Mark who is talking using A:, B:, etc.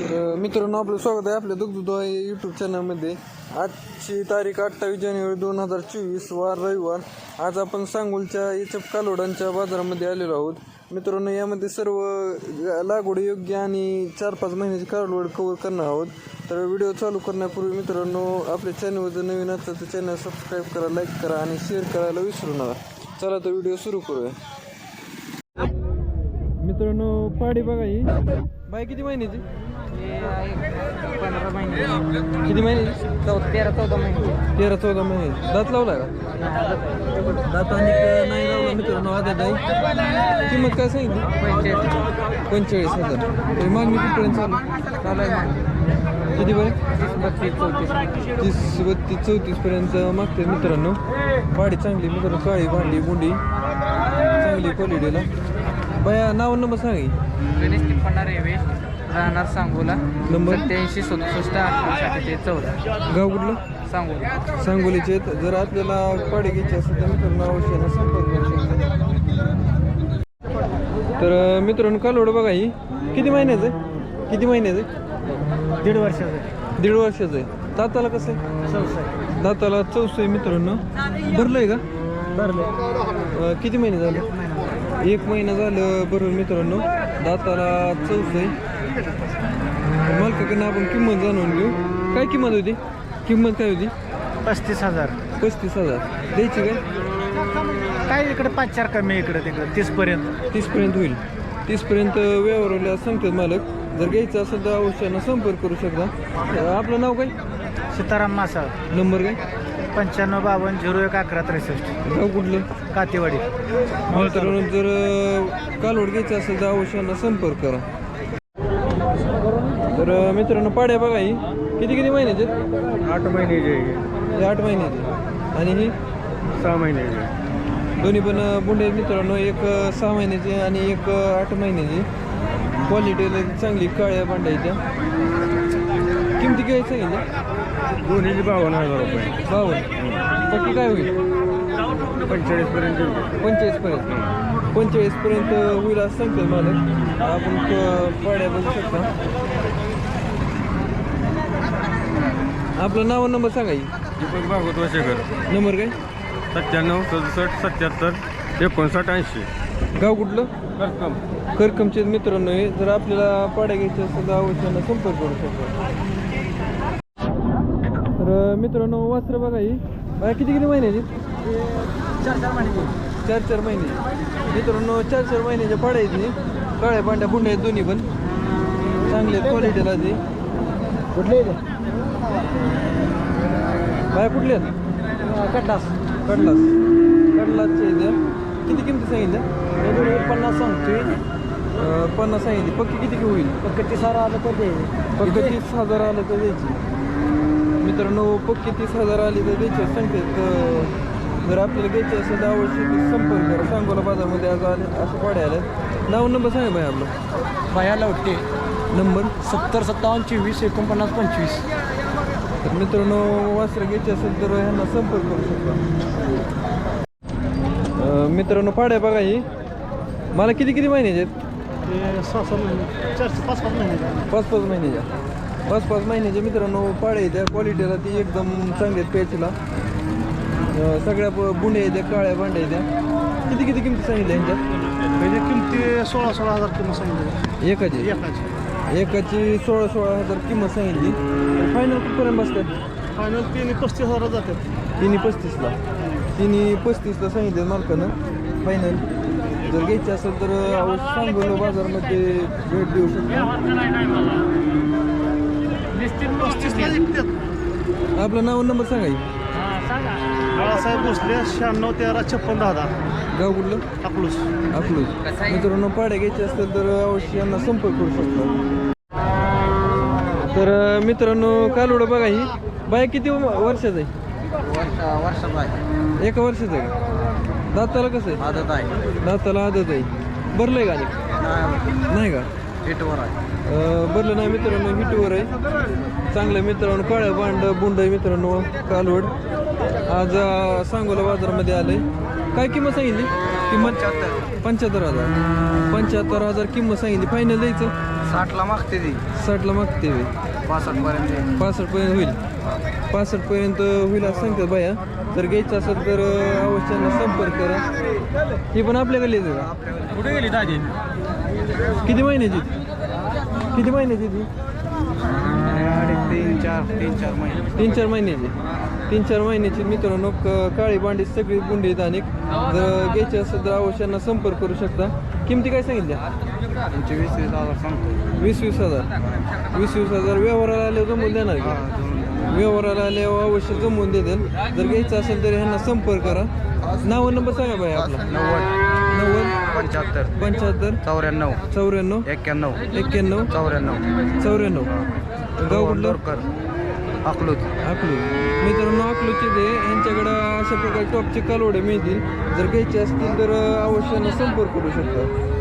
A: तर मित्रांनो आपलं स्वागत आहे आपल्या दुग्धदुधा यूट्यूब चॅनलमध्ये। आजची तारीख 28 जानेवारी 2024 वार रविवार। आज आपण सांगोलच्या एचएफ कालोडांच्या बाजारामध्ये आलेलो आहोत। मित्रांनो यामध्ये सर्व लागवड योग्य आणि 4-5 महिन्याची कालोड कव्हर करणार आहोत। तर व्हिडिओ चालू करण्यापूर्वी मित्रांनो आपल्या चॅनलवर जर नवीन असाल तर चॅनल सबस्क्राईब करा, लाईक करा आणि शेअर करायला विसरू नका। चला तर व्हिडिओ सुरू करूया। मित्रांनो पाडी बघा ही बाई किती महिन्याची?
B: 15 महिने
A: किती महिन्याची?
B: 13-14 महिने
A: 13-14 महिने। दात लावला का? दात आणि नाही लावला मित्रांनो, आदत आहे। किंमत काय सांगितली? 45,000। तरी मागणी कितीपर्यंत चालू आहे? किती पर्यंत? 30-32-34 पर्यंत मागते मित्रांनो। पाडी चांगली मित्रांनो, काळी भांडी बुंडी चांगली क्वालिटीला। बाया नाव नंबर सांगा।
B: गणेश तिप्पण्णा रेवेश, राहणार सांगोला,
A: नंबर
B: 87-67-68-14।
A: गाव कुठलं?
B: सांगोला
A: सांगोलीचे आहेत। जर आपल्याला पाडी घ्यायची असेल तर मित्रांनो अवश्य संपर्क करू शकता। तर मित्रांनो कालोड बघा ही किती महिन्याचं आहे? किती महिन्याचं आहे?
B: 1.5 वर्षाचं
A: 1.5 वर्षाचं आहे। दाताला कसं आहे? दाताला 14 आहे मित्रांनो। भरलंय का?
B: भरलं
A: किती महिने झाले? 1 महिना झालं भरून मित्रांनो। दाताला 14 आहे। मालकाकडनं आपण किंमत जाणून घेऊ। काय किंमत होती? किंमत काय होती?
B: 35,000।
A: 35,000 द्यायची काय?
B: काय इकडे 5-4 कमी, इकडे तिकडे 30 पर्यंत
A: 30 पर्यंत होईल। 30 पर्यंत व्यवहारला सांगतात मालक। जर घ्यायचं असेल तर अवश्यानं संपर्क करू शकता। आपलं नाव काय?
B: सीताराम मासाळ,
A: नंबर काय?
B: 95-52-01-11-63।
A: गाव कुठलं?
B: कातेवाडी।
A: मित्रांनो जर कालवड घ्यायचं असेल तर अवश्यानं संपर्क करा। तर मित्रांनो पाड्या बघा ही किती किती महिन्याचे?
B: 8 महिन्याचे,
A: 8 महिन्याचे आणि ही
B: 6 महिन्याचे।
A: दोन्ही पण बुंडे मित्रांनो, एक 6 महिन्याची आणि एक 8 महिन्याची। क्वालिटीला चांगली काळ्या भांड्याच्या। किमती काय सांगितल्या?
B: दोन्हीचे 52,000 रुपये।
A: 52 पक्की काय होईल?
B: 45 पर्यंत
A: 45 पर्यंत 45 पर्यंत होईल असं सांगतात मालक। आपण पाड्या बघू शकता। आपलं नाव नंबर सांगा।
B: दीपक भागवत वशेकर,
A: नंबर काय?
B: 97-67-77-59-80।
A: गाव कुठलं?
B: करकम।
A: करकमचे मित्रांनो हे। जर आपल्याला पाड्या घ्यायच्या असेल तर अवश्यानं संपर्क करू शकतो। तर मित्रांनो वासरं बघा ही बाय किती किती महिन्याची?
B: 4-4 महिने
A: 4-4 महिने मित्रांनो। 4-4 महिन्याच्या पाड्या आहेत ही। काळ्या पांढऱ्या बुंड्या आहेत दोन्ही पण चांगल्या क्वालिटीला ती।
B: कुठले
A: बाय कुठले आहेत? कडलासचे द्या। किती किमती सांगितल्या?
B: 50 सांगतोय,
A: 50 सांगितली। पक्की किती होईल?
B: फक्त 30,000 आलं तर दे।
A: फक्त 30,000 आलं तर द्यायची मित्रांनो। पक्की 30,000 आली तर द्यायची सांगतात। जर आपल्याला घ्यायची असेल तर अवश्य संपर्क करा। सांगोला बाजारमध्ये आज आले असं पाड्या आल्या। नाव नंबर सांगा बाई आपलं।
B: बाया लावते
A: नंबर
B: 70-57-24-49-25।
A: तर मित्रांनो वासरं घ्यायची असेल तर ह्यांना संपर्क करू शकता। मित्रांनो पाड्या बघा ही मला किती किती महिन्याचे आहेत?
B: 6-6 महिने 4-5 महिने
A: 5-5 महिन्याच्या 5-5 महिन्याच्या मित्रांनो पाड्या आहेत। त्या क्वालिटीला ती एकदम चांगली आहेत प्यायचीला। सगळ्या बुंड्या आहेत त्या, काळ्या भांड्या आहेत त्या। किती किती किमती सांगितल्या यांच्यात?
B: म्हणजे किमती 16,000 किंमत सांगितली।
A: एकाची 16,000 किंमत सांगितली। फायनल कुठपर्यंत बसतात?
B: फायनल 35,000 जातात।
A: 35ला 35ला सांगितलं मालकानं फायनल। जर घ्यायची असेल तर अवश्य सांगोला बाजारमध्ये भेट देऊ शकतो। आपलं नाव नंबर सांगा।
B: बाळासाहेब भोसले, 96-13-56-10।
A: गाव कुठलं?
B: अकलूस।
A: मित्रांनो पाड्या घ्यायची असेल तर अवश्य यांना संपर्क करू शकतो। तर मित्रांनो कालोड बघा ही बाय किती वर्षाचं आहे?
B: वर्षाचा आहे।
A: 1 वर्षाचं आहे का? दाताला कसं आहे?
B: आदत आहे।
A: दाताला आदत आहे। भरलंय का? नाही का?
B: हिटवर आहे।
A: भरलं नाही मित्रांनो, हिटवर आहे। चांगलं मित्रांनो काळ्या बुंड आहे मित्रांनो कालवड। आज सांगोला बाजारामध्ये आलंय। काय किंमत सांगितली? किंमत 75,000 किंमत सांगितली। फायनल द्यायचं
B: 60ला मागते ती
A: 60ला मागते वे
B: 65 पर्यंत
A: 65 होईल 65 होईल असं सांगतात बाया. जर घ्यायचं असेल तर अवश्य संपर्क करा. ही पण आपल्या गल्लीच आहे का?
B: कुठे गेली दाजी
A: किती महिन्याची किती महिन्याची ती
B: 3-4 महिने
A: 3-4 महिन्याची 3-4 महिन्याची मित्रांनो. काळी बांडी सगळी बुंडी आहेत. आणि जर घ्यायची असेल तर अवश्यांना संपर्क करू शकता. किमती काय सांगितल्या?
B: 20,000 सांगतो
A: 20,000 व्यवहाराला आल्यावर जमून देणार की? व्यवहाराला आल्यावर अवश्य जमवून देतील. जर घ्यायचं असेल तर ह्यांना संपर्क करा. नाव नंबर सांगा बाई आपला.
B: 90 75
A: 75
B: 94
A: 94
B: 91
A: 91
B: 94
A: 94. गाव कुठलं?
B: अकलूज
A: मित्रांनो अकलूजचे ते यांच्याकडं अशा प्रकारे टॉपचे कालवडे मिळतील. जर घ्यायचे असतील तर अवश्य संपर्क करू शकता.